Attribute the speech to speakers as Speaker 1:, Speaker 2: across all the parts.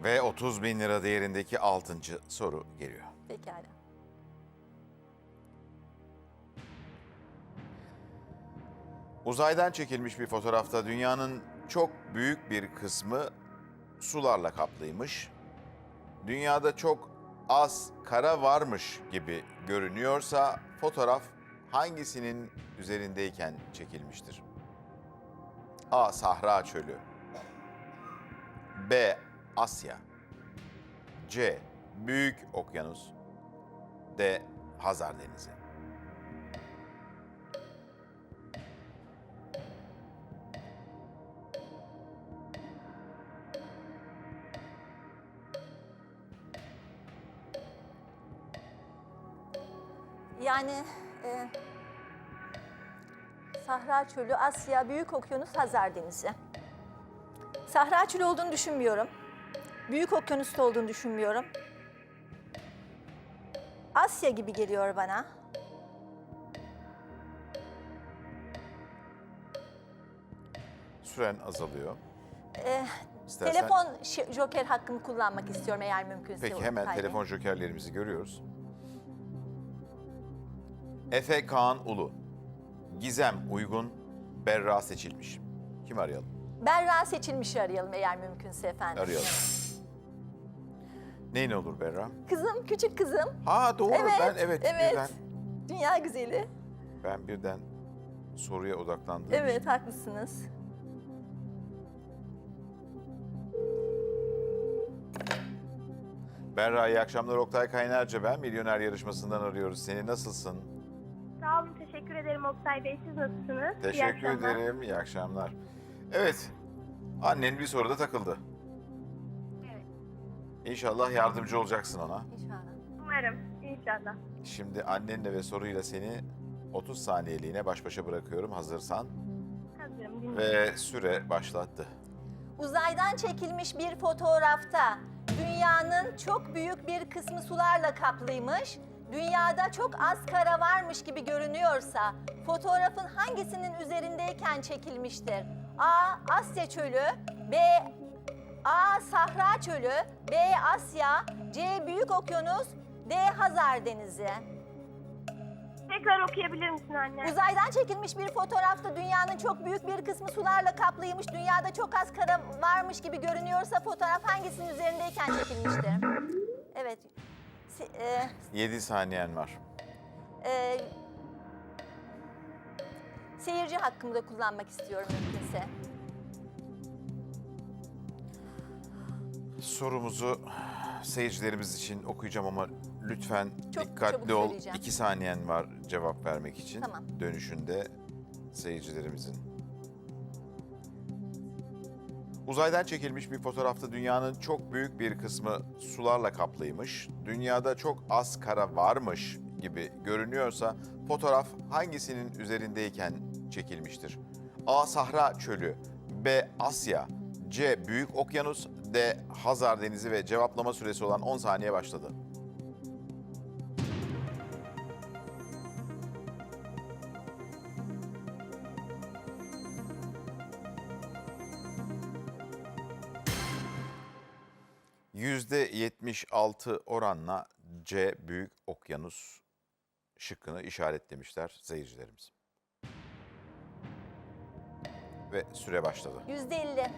Speaker 1: Ve 30 bin lira değerindeki 6. soru geliyor.
Speaker 2: Pekala.
Speaker 1: Uzaydan çekilmiş bir fotoğrafta dünyanın çok büyük bir kısmı sularla kaplıymış. Dünyada çok az kara varmış gibi görünüyorsa fotoğraf hangisinin üzerindeyken çekilmiştir? A. Sahra Çölü, B. Asya, C. Büyük Okyanus, D. Hazar Denizi.
Speaker 2: Yani Sahra Çölü, Asya, Büyük Okyanus, Hazar Denizi. Sahra Çölü olduğunu düşünmüyorum. Büyük Okyanus'ta olduğunu düşünmüyorum. Asya gibi geliyor bana.
Speaker 1: Süren azalıyor. İstersen-
Speaker 2: Telefon joker hakkımı kullanmak istiyorum eğer mümkünse.
Speaker 1: Peki hemen
Speaker 2: Oktay Bey.
Speaker 1: telefon jokerlerimizi görüyoruz. Efe Kaan Ulu, Gizem Uygun, Berra seçilmiş. Kim arayalım?
Speaker 2: Berra seçilmişi arayalım eğer mümkünse efendim.
Speaker 1: Arayalım. Neyin olur Berra?
Speaker 2: Kızım, küçük kızım.
Speaker 1: Ha doğru
Speaker 2: Evet,
Speaker 1: birden
Speaker 2: Dünya güzeli.
Speaker 1: ben birden soruya odaklandım.
Speaker 2: Evet, haklısınız.
Speaker 1: Berra iyi akşamlar, Oktay Kaynarca ben. Milyoner yarışmasından arıyoruz. Seni nasılsın?
Speaker 3: Sağ olun, teşekkür ederim Oktay Bey. Siz nasılsınız? İyi
Speaker 1: Teşekkür
Speaker 3: akşamlar.
Speaker 1: ederim. İyi akşamlar. Evet. Annen bir soruda takıldı.
Speaker 3: Evet.
Speaker 1: İnşallah yardımcı olacaksın ona.
Speaker 2: İnşallah.
Speaker 3: Umarım, inşallah.
Speaker 1: Şimdi annenle ve soruyla seni 30 saniyeliğine baş başa bırakıyorum hazırsan.
Speaker 3: Hazırım, dinliyorum.
Speaker 1: Ve süre başlattı.
Speaker 2: Uzaydan çekilmiş bir fotoğrafta dünyanın çok büyük bir kısmı sularla kaplıymış. Dünyada çok az kara varmış gibi görünüyorsa fotoğrafın hangisinin üzerindeyken çekilmiştir? A. Asya Çölü, B. A. Sahra Çölü, B. Asya, C. Büyük Okyanus, D. Hazar Denizi.
Speaker 3: Tekrar okuyabilir misin anne?
Speaker 2: Uzaydan çekilmiş bir fotoğrafta dünyanın çok büyük bir kısmı sularla kaplıymış. Dünyada çok az kara varmış gibi görünüyorsa fotoğraf hangisinin üzerindeyken çekilmiştir? Evet.
Speaker 1: 7 saniyen var.
Speaker 2: e, seyirci hakkımı da kullanmak istiyorum mümkünse.
Speaker 1: Sorumuzu seyircilerimiz için okuyacağım ama lütfen
Speaker 2: Çok
Speaker 1: dikkatli
Speaker 2: çabuk
Speaker 1: ol.
Speaker 2: söyleyeceğim.
Speaker 1: 2 saniyen var cevap vermek için.
Speaker 2: Tamam.
Speaker 1: Dönüşünde seyircilerimizin. Uzaydan çekilmiş bir fotoğrafta dünyanın çok büyük bir kısmı sularla kaplıymış. Dünyada çok az kara varmış gibi görünüyorsa fotoğraf hangisinin üzerindeyken çekilmiştir? A. Sahra Çölü, B. Asya, C. Büyük Okyanus, D. Hazar Denizi ve cevaplama süresi olan 10 saniye başladı. %76 oranla C. Büyük Okyanus şıkkını işaretlemişler seyircilerimiz. Ve süre başladı.
Speaker 2: %50.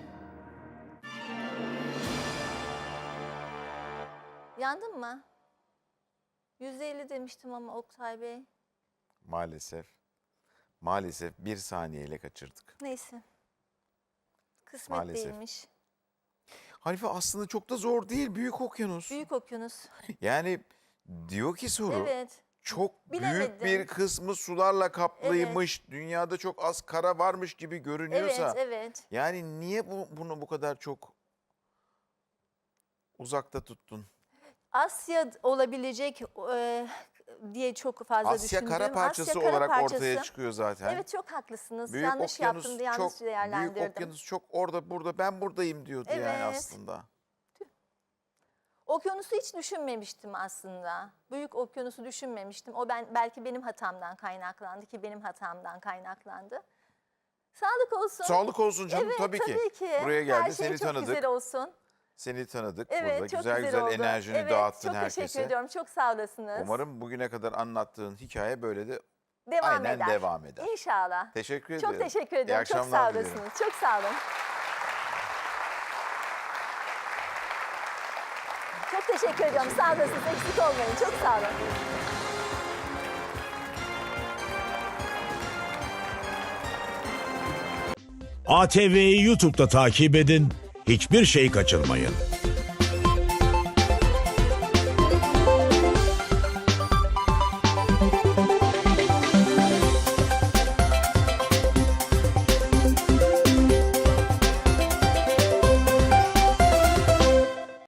Speaker 2: Yandın mı? %50 demiştim ama Oktay Bey.
Speaker 1: Maalesef 1 saniyeyle kaçırdık.
Speaker 2: Neyse. Kısmet
Speaker 1: Maalesef.
Speaker 2: değilmiş.
Speaker 1: Hanife aslında çok da zor değil Büyük Okyanus.
Speaker 2: Büyük Okyanus.
Speaker 1: Yani diyor ki soru
Speaker 2: Evet.
Speaker 1: çok büyük
Speaker 2: Bilemedim.
Speaker 1: bir kısmı sularla kaplıymış. Dünyada çok az kara varmış gibi görünüyorsa.
Speaker 2: Evet.
Speaker 1: Yani niye bunu bu kadar çok uzakta tuttun?
Speaker 2: Asya olabilecek diye çok fazla
Speaker 1: Asya
Speaker 2: düşündüm.
Speaker 1: kara parçası
Speaker 2: Asya kara
Speaker 1: olarak
Speaker 2: parçası.
Speaker 1: ortaya çıkıyor zaten.
Speaker 2: Evet, çok haklısınız.
Speaker 1: Büyük
Speaker 2: Yanlış
Speaker 1: Okyanus
Speaker 2: yaptım, yanlış
Speaker 1: çok,
Speaker 2: değerlendirdim.
Speaker 1: Büyük Okyanus çok orada burada ben buradayım diyordu yani
Speaker 2: Evet.
Speaker 1: aslında.
Speaker 2: Okyanusu hiç düşünmemiştim aslında. Büyük Okyanusu düşünmemiştim. O belki benim hatamdan kaynaklandı ki benim hatamdan kaynaklandı. Sağlık olsun.
Speaker 1: Sağlık olsun canım
Speaker 2: Evet,
Speaker 1: tabii ki.
Speaker 2: tabii ki.
Speaker 1: Buraya geldi
Speaker 2: Her şey
Speaker 1: seni
Speaker 2: çok
Speaker 1: tanıdık.
Speaker 2: güzel olsun.
Speaker 1: Seni tanıdık
Speaker 2: Evet,
Speaker 1: burada.
Speaker 2: çok
Speaker 1: Güzel
Speaker 2: güzel oldu.
Speaker 1: enerjini
Speaker 2: Evet,
Speaker 1: dağıttın
Speaker 2: çok
Speaker 1: herkese.
Speaker 2: teşekkür ediyorum. Çok sağ olasınız.
Speaker 1: Umarım bugüne kadar anlattığın hikaye böyle de
Speaker 2: devam
Speaker 1: aynen
Speaker 2: eder.
Speaker 1: devam eder.
Speaker 2: İnşallah.
Speaker 1: Teşekkür ederim.
Speaker 2: Çok teşekkür
Speaker 1: İyi
Speaker 2: ediyorum. Çok
Speaker 1: akşamlar
Speaker 2: sağ
Speaker 1: dilerim.
Speaker 2: olasınız. Çok sağ olun. Çok teşekkür ediyorum. Sağ olasınız. Eksik olmayın. Çok sağ olun.
Speaker 4: ATV'yi YouTube'da takip edin, hiçbir şey kaçırmayın.